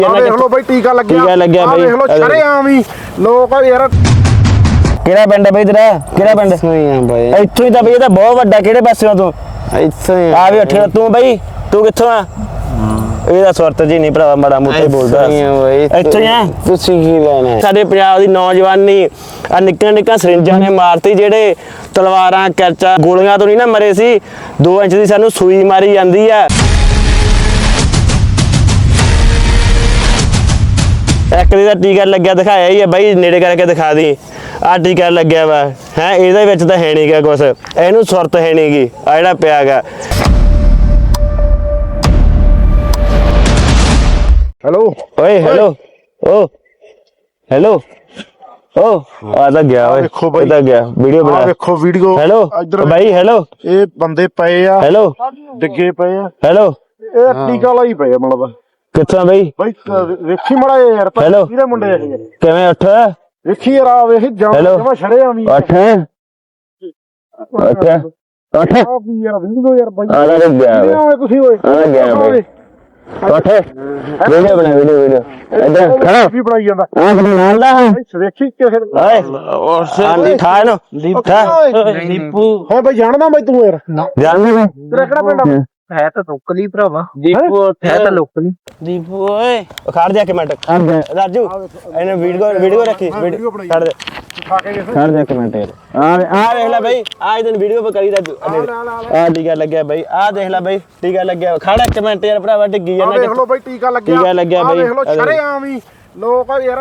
ਦੇਖ ਲੋ ਬਈ ਟੀਕਾ ਲੱਗਿਆ ਬਈ ਦੇਖ ਲੋ ਸ਼ਰੇਆਮ ਹੀ ਲੋਕ ਯਾਰ। ਕਿਹੜਾ ਪਿੰਡ ਹੈ ਬਈ ਤੇਰਾ? ਕਿਹੜਾ ਪਿੰਡ? ਇੱਥੋਂ ਹੀ ਤਾਂ ਬਈ ਇਹ ਤਾਂ ਬਹੁਤ ਵੱਡਾ। ਕਿਹੜੇ ਪਾਸਿਓਂ ਤੂੰ? ਇੱਥੋਂ ਹੀ ਆ ਵੀ ਉੱਠਿਆ ਤੂੰ ਬਈ। ਤੂੰ ਕਿੱਥੋਂ ਆ? ਇਹਦਾ ਸੁਰਤ ਜੀ ਨਹੀਂ ਭਰਾ, ਮਾੜਾ ਮੋਟਾ ਬੋਲਦਾ। ਇੱਥੋਂ ਹੀ ਆ। ਤੁਸੀਂ ਕੀ ਲੈਣਾ? ਸਾਡੇ ਪੰਜਾਬ ਦੀ ਨੌਜਵਾਨੀ ਆ ਨਿੱਕੀਆਂ ਨਿੱਕੀਆਂ ਸਰਿੰਜਾਂ ਨੇ ਮਾਰਤੀ। ਜਿਹੜੇ ਤਲਵਾਰਾਂ ਕਰਚਾ ਗੋਲੀਆਂ ਤੋਂ ਨਹੀਂ ਨਾ ਮਰੇ ਸੀ, 2 ਇੰਚ ਦੀ ਸਾਨੂੰ ਸੂਈ ਮਾਰੀ ਜਾਂਦੀ ਆ। ਇੱਕ ਦੀ ਦਾ ਟੀਕਾ ਲੱਗਿਆ ਦਿਖਾਇਆ ਹੀ ਹੈ ਬਾਈ, ਨੇੜੇ ਕਰਕੇ ਦਿਖਾ ਦੀ। ਆਹ ਟੀਕਾ ਲੱਗਿਆ ਵਾ ਹੈ, ਇਹਦੇ ਵਿੱਚ ਤਾਂ ਹੈ ਨਹੀਂ ਗਾ ਕੁਛ, ਇਹਨੂੰ ਸੁਰਤ ਹੈ ਨਹੀਂ ਗੀ। ਆ ਜਿਹੜਾ ਪਿਆ ਗਾ। ਹੈਲੋ ਓਏ ਹੈਲੋ ਓ ਹੈਲੋ ਓ ਆ ਤਾਂ ਗਿਆ ਓਏ। ਵੇਖੋ ਬਾਈ, ਇਹ ਤਾਂ ਗਿਆ ਵੀਡੀਓ ਬਣਾ। ਵੇਖੋ ਵੀਡੀਓ। ਹੈਲੋ ਬਾਈ ਹੈਲੋ। ਇਹ ਬੰਦੇ ਪਏ ਆ, ਹੈਲੋ ਡਿੱਗੇ ਪਏ ਆ। ਹੈਲੋ ਇਹ ਟੀਕਾ ਲਾਈ ਪਏ ਆ ਮਤਲਬ। ਕਿੱਥੋਂ ਬਈ? ਬਾਈ ਵੇਖੀ ਮੜਾ ਯਾਰ, ਹੈਲੋ ਕਿਹਦੇ ਮੁੰਡੇ ਆ ਇਹ? ਕਿਵੇਂ ਉੱਠ? ਵੇਖੀ ਯਾਰ ਆ ਵੇਖ ਜਮਾ ਛੜਿਆ ਵੀ। ਉੱਠ ਉੱਠ ਉੱਠ ਆ ਵੀ ਯਾਰ ਵੀਡੀਓ ਯਾਰ ਬਾਈ। ਆ ਤਾਂ ਗਿਆ ਓਏ। ਤੁਸੀਂ ਓਏ ਆ ਗਿਆ ਬਈ। ਉੱਠ ਵੀਡੀਓ ਬਣਾ ਵੀਡੀਓ ਇੱਧਰ ਖੜਾ ਵੀ ਬਣਾਈ ਜਾਂਦਾ। ਆ ਕਿਹਨੇ ਨਾਲ ਦਾ ਵੇਖੀ ਕਿਸੇ ਓਏ ਆਂਦੀ ਠਾ ਇਹਨੂੰ ਦੀਪਾ ਦੀਪੂ। ਹਾਂ ਬਾਈ ਜਾਣਦਾ ਬਾਈ ਤੂੰ ਯਾਰ? ਜਾਣਦੇ ਮੈਂ। ਤੇਰਾ ਕਿਹੜਾ ਪਿੰਡ ਆ? ਹੈ ਤਾਂ ਲੋਕਲੀ ਭਰਾਵਾ। ਦੀਪੂ ਹੈ ਤਾਂ ਲੋਕਲੀ। ਦੀਪੂ ਓਏ ਖੜ ਜਾ ਕੇ ਮਿੰਟ। ਰਾਜੂ ਇਹਨੇ ਵੀਡੀਓ ਰੱਖੀ। ਖੜ ਦੇ ਖੜ ਜਾ ਕੇ ਮਿੰਟ। ਆ ਦੇਖ ਲੈ ਬਈ, ਆ ਇਹਨੂੰ ਵੀਡੀਓ ਪਰ ਕਰੀ ਰਾਜੂ। ਆ ਟੀਕਾ ਲੱਗਿਆ ਬਈ, ਆ ਦੇਖ ਲੈ ਬਈ ਟੀਕਾ ਲੱਗਿਆ। ਖੜ ਇੱਕ ਮਿੰਟ ਯਾਰ ਭਰਾਵਾ, ਡਿੱਗੀ ਜਾਂਦਾ। ਦੇਖ ਲੋ ਬਈ ਟੀਕਾ ਲੱਗਿਆ ਬਈ। ਦੇਖ ਲੋ ਸ਼ਰੇਆਮ ਹੀ ਲੋਕ ਯਾਰ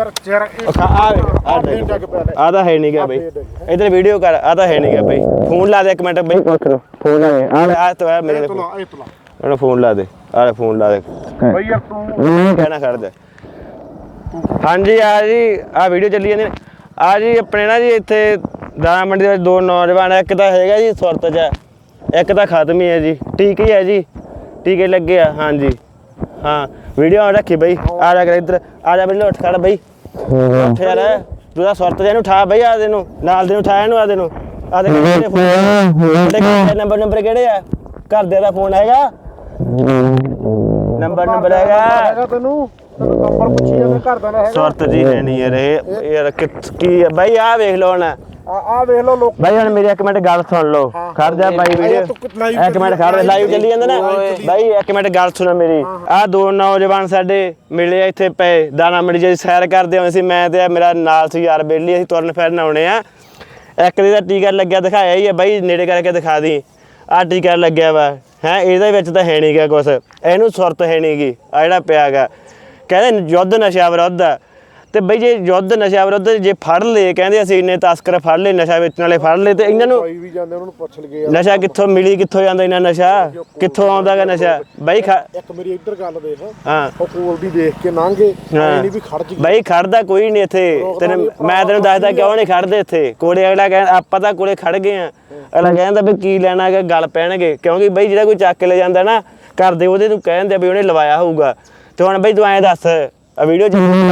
ਆ ਤਾਂ ਹੈ ਨਹੀਂ ਗਿਆ ਬਈ। ਇਧਰ ਵੀਡੀਓ ਕਰ। ਆ ਤਾਂ ਹੈ ਨਹੀਂ ਗਿਆ ਬਈ। ਫੋਨ ਲਾ ਦੇ ਇੱਕ ਮਿੰਟ ਬਈ। ਫੋਨ ਲਾ ਦੇ। ਆ ਤਾਂ ਮੇਰੇ ਉਹਨੂੰ ਫੋਨ ਲਾ ਦੇ। ਆ ਫੋਨ ਲਾ ਦੇ ਬਈ ਯਾਰ ਤੂੰ ਕਹਿਣਾ ਛੱਡ ਦੇ। ਹਾਂਜੀ ਆ ਜੀ, ਆ ਵੀਡੀਓ ਚੱਲੀ ਜਾਂਦੀ। ਆ ਜੀ ਆਪਣੇ ਨਾ ਜੀ ਇੱਥੇ ਦਾਣਾ ਮੰਡੀ ਦੇ ਵਿੱਚ 2 ਨੌਜਵਾਨ। ਇੱਕ ਤਾਂ ਹੈਗਾ ਜੀ ਸੁਰਤ 'ਚ, ਇੱਕ ਤਾਂ ਖਤਮ ਹੀ ਹੈ ਜੀ। ਟੀਕੇ ਹੈ ਜੀ, ਟੀਕੇ ਲੱਗੇ ਆ। ਹਾਂਜੀ ਹਾਂ ਵੀਡੀਓ ਰੱਖੀ ਬਈ। ਆ ਜਾ ਕਰ ਇੱਧਰ ਆ ਜਾ ਬਈ, ਉੱਠ ਖੜ ਬਈ। ਉੱਠ ਯਾਰ ਤੂੰ ਤਾਂ ਸੁਰਤ ਜਿਹਨੂੰ ਠਾ ਬਈ। ਆ ਦੇ ਨੂੰ ਨਾਲ ਦੇ ਨੂੰ ਠਾ ਇਹਨੂੰ। ਆ ਦੇ ਨੂੰ ਆ ਦੇ ਨੰਬਰ ਕਿਹੜੇ ਆ? ਘਰਦਿਆਂ ਦਾ ਫੋਨ ਹੈਗਾ? ਨੰਬਰ ਹੈਗਾ ਤੈਨੂੰ ਨੰਬਰ ਪੁੱਛੀ ਜਾਂਦੇ ਘਰ ਦਾ ਹੈਗਾ? ਸੁਰਤ ਜੀ ਹੈ ਨਹੀਂ ਯਾਰ ਇਹ ਯਾਰ ਕੀ ਆ ਬਾਈ? ਆ ਵੇਖ ਲਓ ਹੁਣ। ਆ ਵੇਖ ਲੋ ਲੋਕ ਬਾਈ ਹੁਣ ਮੇਰੀ ਇੱਕ ਮਿੰਟ ਗੱਲ ਸੁਣ ਲਓ। ਖੜ ਜਾ ਬਾਈ ਵੀਡੀਓ ਇੱਕ ਮਿੰਟ ਖੜ। ਲਾਈਵ ਚੱਲੀ ਜਾਂਦਾ ਨਾ ਬਾਈ, ਇੱਕ ਮਿੰਟ ਗੱਲ ਸੁਣੋ ਮੇਰੀ। ਆਹ 2 ਨੌਜਵਾਨ ਸਾਡੇ ਮਿਲੇ ਇੱਥੇ ਪਏ ਦਾਣਾ ਮੰਡੀ ਜੀ, ਸੈਰ ਕਰਦੇ ਹੋਏ ਸੀ। ਮੈਂ ਤੇ ਮੇਰਾ ਨਾਲ ਸੀ ਯਾਰ ਬੇਲੀ, ਅਸੀਂ ਤੁਰਨ ਫਿਰਨ ਆਉਣੇ ਆ। ਇੱਕ ਦੀ ਦਾ ਟੀਕਾ ਲੱਗਿਆ ਦਿਖਾਇਆ ਹੀ ਹੈ ਬਾਈ, ਨੇੜੇ ਕਰਕੇ ਦਿਖਾ ਦੀ। ਆਹ ਟੀਕਾ ਲੱਗਿਆ ਵਾ ਹੈ, ਇਹਦੇ ਵਿੱਚ ਤਾਂ ਹੈ ਨਹੀਂ ਗਾ ਕੁਛ, ਇਹਨੂੰ ਸੁਰਤ ਹੈ ਨਹੀਂ ਗੀ। ਆ ਜਿਹੜਾ ਪਿਆ ਗਾ ਕਹਿੰਦੇ ਯੁੱਧ ਨਸ਼ਾ ਵਿਰੁੱਧ ਆ। ਤੇ ਬਈ ਜੇ ਯੁੱਧ ਨਸ਼ਾ ਵਿਰੁੱਧ ਜੇ ਫੜ ਲਏ, ਕਹਿੰਦੇ ਅਸੀਂ ਇੰਨੇ ਤਸਕਰ ਫੜ ਲਏ, ਨਸ਼ਾ ਵੇਚਣ ਵਾਲੇ ਫੜ ਲਏ, ਤੇ ਇਹਨਾਂ ਨੂੰ ਵੀ ਜਾਂਦੇ ਉਹਨਾਂ ਨੂੰ ਪੁੱਛ ਲਗੇ ਨਸ਼ਾ ਕਿੱਥੋਂ ਮਿਲੀ, ਕਿੱਥੋਂ ਜਾਂਦਾ ਇਹਨਾਂ ਨਸ਼ਾ, ਕਿੱਥੋਂ ਆਉਂਦਾ ਗਾ ਨਸ਼ਾ ਬਾਈ? ਇੱਕ ਮੇਰੀ ਇੱਧਰ ਗੱਲ ਦੇਖ। ਹਾਂ ਉਹ ਕੋਲ ਦੀ ਦੇਖ ਕੇ ਲੰਘੇ ਨਹੀਂ ਵੀ ਖੜ ਜੀ ਬਾਈ। ਖੜਦਾ ਕੋਈ ਨਹੀਂ ਇੱਥੇ। ਮੈਂ ਤੈਨੂੰ ਦੱਸਦਾ ਕਿਉਂ ਨਹੀਂ ਖੜਦੇ ਇੱਥੇ। ਕੋਲੇ ਅਗਲਾ ਕਹਿੰਦਾ ਆਪਾਂ ਤਾਂ ਕੋਲੇ ਖੜ ਗਏ ਆ। ਅਗਲਾ ਕਹਿੰਦਾ ਵੀ ਕੀ ਲੈਣਾ ਹੈਗਾ, ਗੱਲ ਪੈਣਗੇ। ਕਿਉਂਕਿ ਬਾਈ ਜਿਹੜਾ ਕੋਈ ਚੱਕ ਕੇ ਲੈ ਜਾਂਦਾ ਨਾ ਕਰਦੇ, ਉਹਦੇ ਨੂੰ ਕਹਿੰਦੇ ਵੀ ਉਹਨੇ ਲਵਾਇਆ ਹੋਊਗਾ। ਤੇ ਹੁਣ ਬਾਈ ਤੂੰ ਐਂ ਦੱਸ, ਆ ਵੀਡੀਓ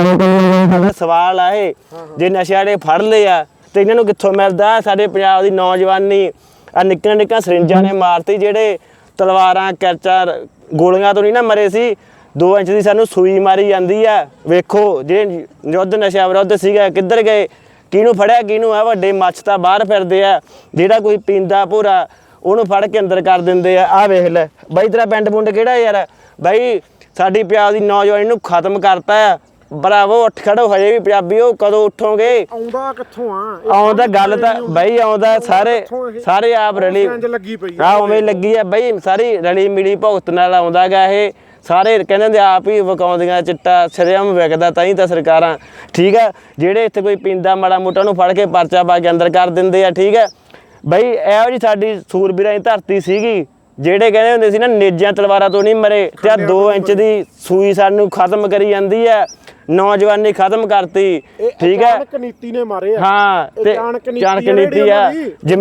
ਸਾਡਾ ਸਵਾਲ ਆ ਇਹ, ਜੇ ਨਸ਼ੇ ਵਾਲੇ ਫੜ ਲਏ ਆ ਤੇ ਇਹਨਾਂ ਨੂੰ ਕਿੱਥੋਂ ਮਿਲਦਾ? ਸਾਡੇ ਪੰਜਾਬ ਦੀ ਨੌਜਵਾਨੀ ਆ ਨਿੱਕੀਆਂ ਨਿੱਕੀਆਂ ਸਰਿੰਜਾਂ ਨੇ ਮਾਰਤੀ। ਜਿਹੜੇ ਤਲਵਾਰਾਂ ਕਰਚਾ ਗੋਲੀਆਂ ਤੋਂ ਨਹੀਂ ਨਾ ਮਰੇ ਸੀ, 2 ਇੰਚ ਦੀ ਸਾਨੂੰ ਸੂਈ ਮਾਰੀ ਜਾਂਦੀ ਆ। ਵੇਖੋ ਜਿਹੜੇ ਯੁੱਧ ਨਸ਼ਾ ਵਿਰੁੱਧ ਸੀਗਾ ਕਿੱਧਰ ਗਏ, ਕਿਹਨੂੰ ਫੜਿਆ ਕਿਹਨੂੰ ਆ? ਵੱਡੇ ਮੱਛ ਤਾਂ ਬਾਹਰ ਫਿਰਦੇ ਆ। ਜਿਹੜਾ ਕੋਈ ਪੀਂਦਾ ਭੋਰਾ ਉਹਨੂੰ ਫੜ ਕੇ ਅੰਦਰ ਕਰ ਦਿੰਦੇ ਆ। ਆਹ ਵੇਖ ਲੈ ਬਾਈ, ਤੇਰਾ ਪਿੰਡ ਪੁੰਡ ਕਿਹੜਾ ਯਾਰ? ਬਾਈ ਸਾਡੀ ਪੰਜਾਬ ਦੀ ਨੌਜਵਾਨੀ ਨੂੰ ਖਤਮ ਕਰਤਾ ਆ। ਬਰਾਵੋ ਉੱਠ ਖੜੋ, ਹਜੇ ਵੀ ਪੰਜਾਬੀਓ, ਕਦੋਂ ਉੱਠੋਗੇ? ਆਉਂਦਾ ਕਿੱਥੋਂ ਆ? ਆਉਂਦਾ ਗੱਲ ਤਾਂ ਬਾਈ ਆਉਂਦਾ ਸਾਰੇ ਆਪ ਰਲੀ ਲੱਗੀ ਪਈ ਆ, ਉਵੇਂ ਲੱਗੀ ਆ ਬਾਈ। ਸਾਰੀ ਰਲੀ ਮਿਲੀ ਭੁਗਤ ਨਾਲ ਆਉਂਦਾ ਗਾ ਇਹ। ਸਾਰੇ ਕਹਿੰਦੇ ਹੁੰਦੇ ਆਪ ਹੀ ਵਿਕਾਉਂਦੀਆਂ ਚਿੱਟਾ, ਸ਼ਰੇਆਮ ਵਿਕਦਾ ਤਾਂ ਹੀ ਤਾਂ ਸਰਕਾਰਾਂ। ਠੀਕ ਆ, ਜਿਹੜੇ ਇੱਥੇ ਕੋਈ ਪੀਂਦਾ ਮਾੜਾ ਮੋਟਾ ਨੂੰ ਫੜ ਕੇ ਪਰਚਾ ਪਾ ਕੇ ਅੰਦਰ ਕਰ ਦਿੰਦੇ ਆ। ਠੀਕ ਆ ਬਾਈ, ਇਹੋ ਜਿਹੀ ਸਾਡੀ ਸੂਰਬੀਰਾਂ ਦੀ ਧਰਤੀ ਸੀਗੀ। ਜਿਹੜੇ ਕਹਿੰਦੇ ਹੁੰਦੇ ਸੀ ਨਾ ਨੇਜਾਂ ਤਲਵਾਰਾਂ ਤੋਂ ਨਹੀਂ ਮਰੇ, ਤੇ ਆ 2 ਇੰਚ ਦੀ ਸੂਈ ਸਾਨੂੰ ਖਤਮ ਕਰੀ ਜਾਂਦੀ ਆ। ਨੌਜਵਾਨੀ ਖਤਮ ਕਰਤੀ। ਠੀਕ ਹੈ, ਨੀਤੀ ਨੇ ਮਾਰੇ ਆ। ਹਾਂ ਤੇ ਚਾਣਕ ਨੀਤੀ ਆ।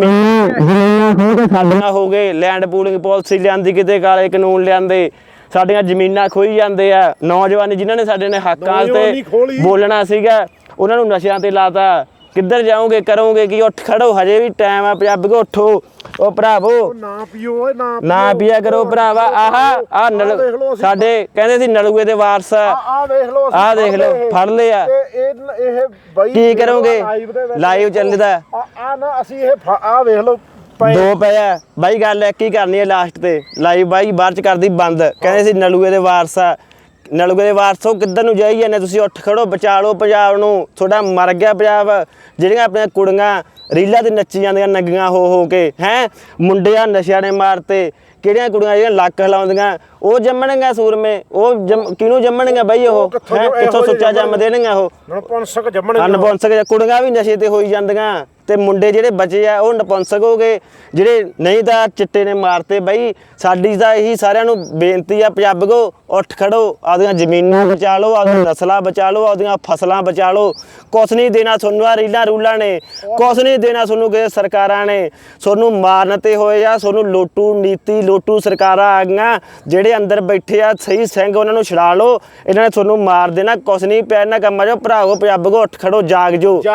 ਜ਼ਮੀਨਾਂ ਸਾਡੀਆਂ ਹੋ ਗਏ, ਲੈਂਡ ਪੂਲਿੰਗ ਪਾਲਿਸੀ ਲਿਆਂਦੀ, ਕਿਤੇ ਕਾਲੇ ਕਾਨੂੰਨ ਲਿਆਂਦੇ, ਸਾਡੀਆਂ ਜ਼ਮੀਨਾਂ ਖੋਈ ਜਾਂਦੇ ਆ। ਨੌਜਵਾਨੀ ਜਿਨ੍ਹਾਂ ਨੇ ਸਾਡੇ ਨੇ ਹੱਕਾਂ ਤੇ ਬੋਲਣਾ ਸੀਗਾ, ਉਹਨਾਂ ਨੂੰ ਨਸ਼ਿਆਂ ਤੇ ਲਾਤਾ। ਕਿੱਧਰ ਜਾਓਗੇ ਕਰੋਗੇ ਕੀ ਉੱਠ ਖੜੋ ਹਜੇ ਵੀ ਟਾਈਮ ਆ ਪੰਜਾਬੀ ਕੋ ਉੱਠੋ ਉਹ ਭਰਾਵੋ ਨਾ ਪੀਓ ਓਏ ਨਾ ਪੀਆ ਕਰੋ ਭਰਾਵਾ ਆਹ ਸਾਡੇ ਕਹਿੰਦੇ ਸੀ ਨਲੂਏ ਦੇ ਵਾਰਸ ਆ ਵੇਖ ਲਓ ਆਹ ਦੇਖ ਲਓ ਫੜ ਲਿਆ ਇਹ ਬਾਈ ਕੀ ਕਰੋਗੇ ਲਾਈਵ ਚੱਲਦਾ ਆ ਨਾ ਅਸੀਂ ਇਹ ਆ ਵੇਖ ਲਓ ਦੋ ਪਿਆ ਬਾਈ ਗੱਲ ਇੱਕ ਹੀ ਕਰਨੀ ਹੈ ਲਾਸਟ ਤੇ ਲਾਈਵ ਬਾਈ ਬਾਅਦ ਚ ਕਰਦੀ ਬੰਦ ਕਹਿੰਦੇ ਸੀ ਨਲੂਏ ਦੇ ਵਾਰਸ ਆ ਨਲੂਏ ਦੇ ਵਾਰਸੋ ਕਿੱਧਰ ਨੂੰ ਜਾਈ ਜਾਂਦੇ ਤੁਸੀਂ ਉੱਠ ਖੜੋ ਬਚਾ ਲਓ ਪੰਜਾਬ ਨੂੰ ਤੁਹਾਡਾ ਮਰ ਗਿਆ ਪੰਜਾਬ ਜਿਹੜੀਆਂ ਆਪਣੀਆਂ ਕੁੜੀਆਂ ਰੀਲਾਂ ਤੇ ਨੱਚੀ ਜਾਂਦੀਆਂ ਨੰਗੀਆਂ ਹੋ ਕੇ ਹੈ ਮੁੰਡਿਆਂ ਨਸ਼ਿਆਂ ਨੇ ਮਾਰਤੇ ਕਿਹੜੀਆਂ ਕੁੜੀਆਂ ਜਿਹੜੀਆਂ ਲੱਕ ਹਿਲਾਉਂਦੀਆਂ ਉਹ ਜੰਮਣਗੀਆਂ ਸੂਰਮੇ ਉਹ ਕਿਹਨੂੰ ਜੰਮਣਗੀਆਂ ਬਾਈ ਉਹ ਕਿੱਥੋਂ ਸੁੱਚਾ ਜੰਮ ਦੇਣਗੀਆਂ ਉਹ ਨਪੁੰਸਕ ਜੰਮਣਗੀਆਂ ਨਪੁੰਸਕ ਕੁੜੀਆਂ ਵੀ ਨਸ਼ੇ ਤੇ ਹੋਈ ਜਾਂਦੀਆਂ ਤੇ ਮੁੰਡੇ ਜਿਹੜੇ ਬਚੇ ਆ ਉਹ ਨਪੁੰਸਕ ਹੋ ਗਏ ਜਿਹੜੇ ਨਹੀਂ ਤਾਂ ਚਿੱਟੇ ਨੇ ਮਾਰਤੇ ਬਾਈ ਸਾਡੀ ਤਾਂ ਇਹੀ ਸਾਰਿਆਂ ਨੂੰ ਬੇਨਤੀ ਆ ਪੰਜਾਬੀਓ ਉੱਠ ਖੜੋ ਆਪਦੀਆਂ ਜ਼ਮੀਨਾਂ ਬਚਾ ਲਓ ਆਪਦੀਆਂ ਨਸਲਾਂ ਬਚਾ ਲਓ ਆਪਦੀਆਂ ਫਸਲਾਂ ਬਚਾ ਲਓ ਕੁਛ ਨਹੀਂ ਦੇਣਾ ਤੁਹਾਨੂੰ ਆ ਰੀਲਾਂ ਰੂਲਾਂ ਨੇ ਕੁਛ ਨਹੀਂ ਦੇਣਾ ਤੁਹਾਨੂੰ ਕਿਸੇ ਸਰਕਾਰਾਂ ਨੇ ਤੁਹਾਨੂੰ ਮਾਰਨ ਤੇ ਹੋਏ ਆ ਤੁਹਾਨੂੰ ਲੋਟੂ ਨੀਤੀ ਲੋਟੂ ਸਰਕਾਰਾਂ ਆ ਗਈਆਂ ਜਿਹੜੇ ਅੰਦਰ ਬੈਠੇ ਆ ਸਹੀ ਸਿੰਘ ਉਹਨਾਂ ਨੂੰ ਛੁਡਾ ਲਓ ਇਹਨਾਂ ਨੇ ਤੁਹਾਨੂੰ ਮਾਰ ਦੇਣਾ ਕੁਛ ਨਹੀਂ ਪਿਆ ਇਹਨਾਂ ਕੰਮਾਂ 'ਚੋਂ ਭਰਾਵੋ ਪੰਜਾਬੀਓ ਉੱਠ ਖੜੋ ਜਾਗ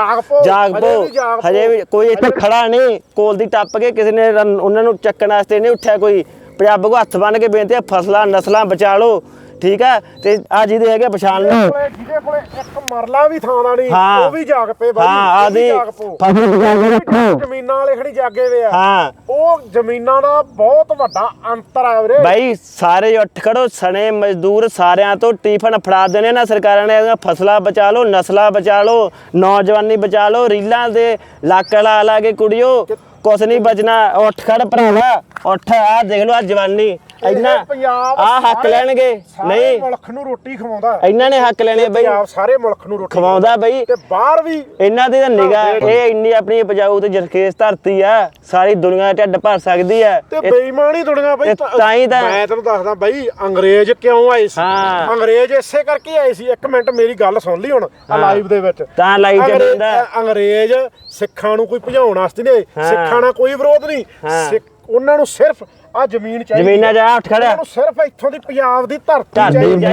ਪੋ ਹਜੇ ਵੀ ਕੋਈ ਇੱਥੇ ਖੜਾ ਨਹੀਂ ਕੋਲ ਦੀ ਟੱਪ ਕੇ ਕਿਸੇ ਨੇ ਉਹਨਾਂ ਨੂੰ ਚੱਕਣ ਵਾਸਤੇ ਨਹੀਂ ਉੱਠਿਆ ਕੋਈ ਪੰਜਾਬੀ ਕੋ ਹੱਥ ਬੰਨ ਕੇ ਬੇਨਤੀ ਆ ਫਸਲਾਂ ਨਸਲਾਂ ਬਚਾ ਲਓ ਠੀਕ ਆ ਤੇ ਆ ਜਿਹਦੇ ਹੈਗੇ ਪਛਾਣ ਲਓ ਜਿਹਦੇ ਕੋਲੇ ਇੱਕ ਮਰਲਾ ਵੀ ਥਾਂ ਦਾ ਨਹੀਂ ਉਹ ਵੀ ਜਾਗ ਪਏ ਬਾਈ ਹਾਂ ਆਦੀ ਫਸਲ ਬਚਾ ਕੇ ਰੱਖੋ ਜ਼ਮੀਨਾਂ ਵਾਲੇ ਖੜੀ ਜਾਗੇ ਵੇ ਆ ਹਾਂ ਉਹ ਜ਼ਮੀਨਾਂ ਦਾ ਬਹੁਤ ਵੱਡਾ ਅੰਤਰ ਆ ਵੀਰੇ ਬਾਈ ਸਾਰੇ ਉੱਠ ਖੜੋ ਸਣੇ ਮਜ਼ਦੂਰ ਸਾਰਿਆਂ ਤੋਂ ਟਿਫਨ ਫੜਾ ਦੇਣੇ ਨਾ ਸਰਕਾਰਾਂ ਨੇ ਫਸਲਾਂ ਬਚਾ ਲਓ ਨਸਲਾਂ ਬਚਾ ਲਓ ਨੌਜਵਾਨੀ ਬਚਾ ਲਓ ਰੀਲਾਂ ਦੇ ਲੱਕ ਲਾ ਕੇ ਕੁੜੀਓ ਕੁਛ ਨਹੀਂ ਬਚਣਾ ਉੱਠ ਖੜ ਭਰਾਵਾ ਉੱਠ ਆ ਦੇਖ ਲਓ ਆ ਜਵਾਨੀ ਇੰਨਾ ਆ ਹੱਕ ਲੈਣਗੇ ਨਹੀਂ ਮੁਲਕ ਨੂੰ ਰੋਟੀ ਖਵਾਉਂਦਾ ਇਹਨਾਂ ਨੇ ਹੱਕ ਲੈਣੇ ਬਈ ਸਾਰੇ ਮੁਲਕ ਨੂੰ ਰੋਟੀ ਖਵਾਉਂਦਾ ਬਈ ਤੇ ਬਾਹਰ ਵੀ ਇਹਨਾਂ ਦੀ ਤਾਂ ਨਿਗਾਹ ਇਹ ਇੰਨੀ ਆਪਣੀ ਉਪਜਾਊ ਤੇ ਜਰਖੇਸ ਧਰਤੀ ਆ ਸਾਰੀ ਦੁਨੀਆ ਢਿੱਡ ਭਰ ਸਕਦੀ ਆ ਤੇ ਬੇਈਮਾਨੀ ਦੁਨੀਆ ਬਈ ਤਾਂ ਹੀ ਤਾਂ ਮੈਂ ਤੈਨੂੰ ਦੱਸਦਾ ਬਈ ਅੰਗਰੇਜ਼ ਕਿਉਂ ਆਏ ਸੀ ਅੰਗਰੇਜ਼ ਇਸੇ ਕਰਕੇ ਆਏ ਸੀ ਇੱਕ ਮਿੰਟ ਮੇਰੀ ਗੱਲ ਸੁਣ ਲਈ ਹੁਣ ਆ ਲਾਈਵ ਦੇ ਵਿੱਚ ਤਾਂ ਲਾਈਵ ਚੱਲਦਾ ਅੰਗਰੇਜ਼ ਸਿੱਖਾਂ ਨੂੰ ਕੋਈ ਭਜਾਉਣ ਵਾਸਤੇ ਨਹੀਂ ਸਿੱਖਾਂ ਨਾਲ ਕੋਈ ਵਿਰੋਧ ਨਹੀਂ ਉਹਨਾਂ ਨੂੰ ਸਿਰਫ ਆ ਜ਼ਮੀਨ ਚਾਹੀਦੀ ਜ਼ਮੀਨਾਂ ਜਾ ਉੱਠ ਖੜਿਆ ਉਹਨਾਂ ਨੂੰ ਸਿਰਫ ਇੱਥੋਂ ਦੀ ਪੰਜਾਬ ਦੀ ਧਰਤੀ ਚਾਹੀਦੀ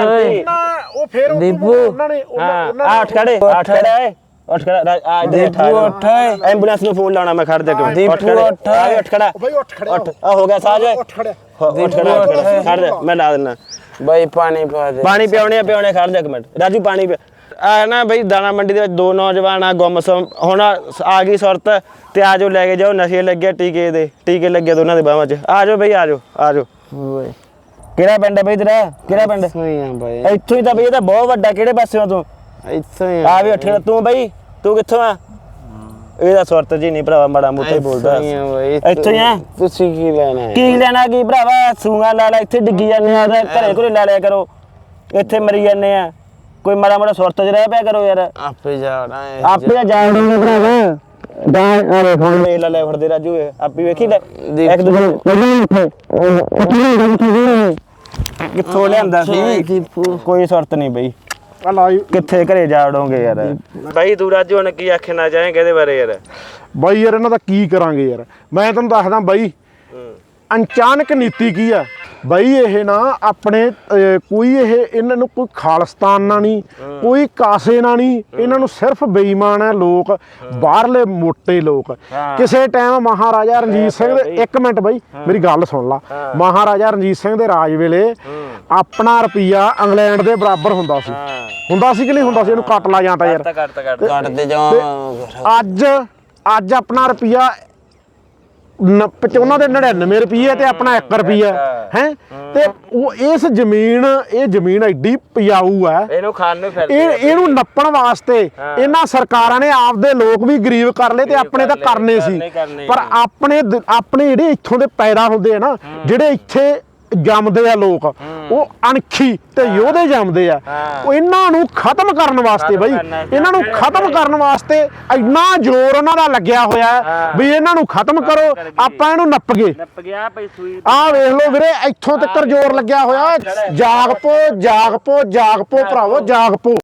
ਉਹ ਫਿਰ ਉਹਨਾਂ ਨੇ ਆ ਉੱਠ ਖੜੇ ਉੱਠ ਖੜਾ ਆ ਦੇ ਐਂਬੂਲੈਂਸ ਨੂੰ ਫੋਨ ਲਾਉਣਾ ਮੈਂ ਖੜ ਦੇ ਕੇ ਉੱਠ ਖੜਾ ਬਈ ਉੱਠ ਖੜਿਆ ਆ ਹੋ ਗਿਆ ਸਾਜ ਉੱਠ ਖੜਿਆ ਖੜ ਦੇ ਮੈਂ ਲਾ ਦਿੰਦਾ ਬਾਈ ਪਾਣੀ ਪਾ ਦੇ ਪਾਣੀ ਪਿਆਉਣੇ ਖੜ ਦੇ ਇੱਕ ਮਿੰਟ ਰਾਜੂ ਪਾਣੀ ਆ ਨਾ ਬਈ ਦਾਣਾ ਮੰਡੀ ਦੇ ਵਿੱਚ ਦੋ ਨੌਜਵਾਨ ਆ ਗੁੰਮਸਮ ਹੁਣ ਆ ਗਈ ਸੁਰਤ ਤੇ ਆ ਜਾਓ ਲੈ ਕੇ ਜਾਓ ਨਸ਼ੇ ਲੱਗੇ ਟੀਕੇ ਲੱਗੇ ਦੋਨਾਂ ਦੇ ਬਾਹਾਂ 'ਚ ਆ ਜਾਓ ਬਈ ਆ ਜਾਓ ਕਿਹੜਾ ਪਿੰਡ ਹੈ ਬਈ ਤੇਰਾ ਕਿਹੜਾ ਪਿੰਡ ਇੱਥੋਂ ਹੀ ਤਾਂ ਬਈ ਇਹ ਤਾਂ ਬਹੁਤ ਵੱਡਾ ਕਿਹੜੇ ਪਾਸਿਓਂ ਤੂੰ ਇੱਥੋਂ ਹੀ ਆ ਵੀ ਉੱਠ ਤੂੰ ਬਈ ਤੂੰ ਕਿੱਥੋਂ ਆ ਇਹਦਾ ਸੁਰਤ ਜੀ ਨਹੀਂ ਭਰਾਵਾ ਮਾੜਾ ਮੋਟਾ ਹੀ ਬੋਲਦਾ ਇੱਥੋਂ ਹੀ ਆ ਤੁਸੀਂ ਕੀ ਲੈਣਾ ਕੀ ਭਰਾਵਾ ਸੂਆ ਲਾ ਇੱਥੇ ਡਿੱਗੀ ਜਾਂਦੇ ਆ ਘਰੇ ਘਰੇ ਲੈ ਲਿਆ ਕਰੋ ਇੱਥੇ ਮਰੀ ਜਾਂਦੇ ਆ ਕੋਈ ਮਾੜਾ ਮੋਟਾ ਸੁਰਤ 'ਚ ਰਹਿ ਪਿਆ ਕਰੋ ਯਾਰ ਆਪੇ ਜਾਣਾ ਜਾਣੋਗੇ ਭਰਾਵਾ ਅਰੇ ਹੁਣ ਵੇਖ ਲੈ ਫੜਦੇ ਰਾਜੂ ਆਪੀ ਵੇਖੀ ਲੈ ਇੱਕ ਦੂਜੇ ਕਿੱਥੋਂ ਲਿਆਂਦਾ ਸੀ ਕੋਈ ਸੁਰਤ ਨਹੀਂ ਬਈ ਕਿੱਥੇ ਘਰੇ ਜਾ ਵੜੋਗੇ ਯਾਰ ਬਾਈ ਤੂੰ ਰਾਜੂ ਹੁਣ ਕੀ ਆਖਣਾ ਚਾਹੇਂਗੇ ਇਹਦੇ ਬਾਰੇ ਯਾਰ ਬਾਈ ਯਾਰ ਇਹਨਾਂ ਦਾ ਕੀ ਕਰਾਂਗੇ ਯਾਰ ਮੈਂ ਤੁਹਾਨੂੰ ਦੱਸਦਾ ਬਾਈ ਅਚਾਨਕ ਨੀਤੀ ਕੀ ਆ ਬਾਈ ਇਹ ਨਾ ਆਪਣੇ ਕੋਈ ਇਹਨਾਂ ਨੂੰ ਕੋਈ ਖਾਲਿਸਤਾਨ ਨਾਲ ਨਹੀਂ ਕੋਈ ਕਾਸੇ ਨਾਲ ਨਹੀਂ ਇਹਨਾਂ ਨੂੰ ਸਿਰਫ ਬੇਈਮਾਨ ਹੈ ਲੋਕ ਬਾਹਰਲੇ ਮੋਟੇ ਲੋਕ ਕਿਸੇ ਟਾਈਮ ਮਹਾਰਾਜਾ ਰਣਜੀਤ ਸਿੰਘ ਦੇ ਇੱਕ ਮਿੰਟ ਬਾਈ ਮੇਰੀ ਗੱਲ ਸੁਣ ਲਾ ਮਹਾਰਾਜਾ ਰਣਜੀਤ ਸਿੰਘ ਦੇ ਰਾਜ ਵੇਲੇ ਆਪਣਾ ਰੁਪਈਆ ਇੰਗਲੈਂਡ ਦੇ ਬਰਾਬਰ ਹੁੰਦਾ ਸੀ ਕਿ ਨਹੀਂ ਹੁੰਦਾ ਸੀ ਇਹਨੂੰ ਕੱਟ ਲਾ ਜਾਂਦਾ ਯਾਰ ਕੱਟਦੇ ਜਾ ਅੱਜ ਆਪਣਾ ਰੁਪਈਆ ਉਹਨਾਂ ਦੇ 99 ਰੁਪਏ ਤੇ ਆਪਣਾ 1 ਰੁਪਿਆ ਹੈ ਤੇ ਉਹ ਇਹ ਜ਼ਮੀਨ ਐਡੀ ਪਿਆਊ ਹੈ ਇਹਨੂੰ ਖਾਣ ਨੂੰ ਇਹਨੂੰ ਨੱਪਣ ਵਾਸਤੇ ਇਹਨਾਂ ਸਰਕਾਰਾਂ ਨੇ ਆਪਦੇ ਲੋਕ ਵੀ ਗਰੀਬ ਕਰ ਲਏ ਤੇ ਆਪਣੇ ਤਾਂ ਕਰਨੇ ਸੀ ਪਰ ਆਪਣੇ ਜਿਹੜੇ ਇੱਥੋਂ ਦੇ ਪੈਦਾ ਹੁੰਦੇ ਆ ਨਾ ਜਿਹੜੇ ਇੱਥੇ ਜੰਮਦੇ ਆ ਲੋਕ ਉਹ ਅਣਖੀ ਤੇ ਯੋਧੇ ਜੰਮਦੇ ਆ ਉਹ ਇਹਨਾਂ ਨੂੰ ਖਤਮ ਕਰਨ ਵਾਸਤੇ ਬਈ ਇਹਨਾਂ ਨੂੰ ਖਤਮ ਕਰਨ ਵਾਸਤੇ ਇੰਨਾ ਜ਼ੋਰ ਉਹਨਾਂ ਦਾ ਲੱਗਿਆ ਹੋਇਆ ਵੀ ਇਹਨਾਂ ਨੂੰ ਖਤਮ ਕਰੋ ਆਪਾਂ ਇਹਨੂੰ ਨੱਪ ਗਏ ਆਹ ਵੇਖ ਲਓ ਵੀਰੇ ਇੱਥੋਂ ਤੱਕ ਜ਼ੋਰ ਲੱਗਿਆ ਹੋਇਆ ਜਾਗ ਪੋ ਭਰਾਵੋ ਜਾਗ ਪੋ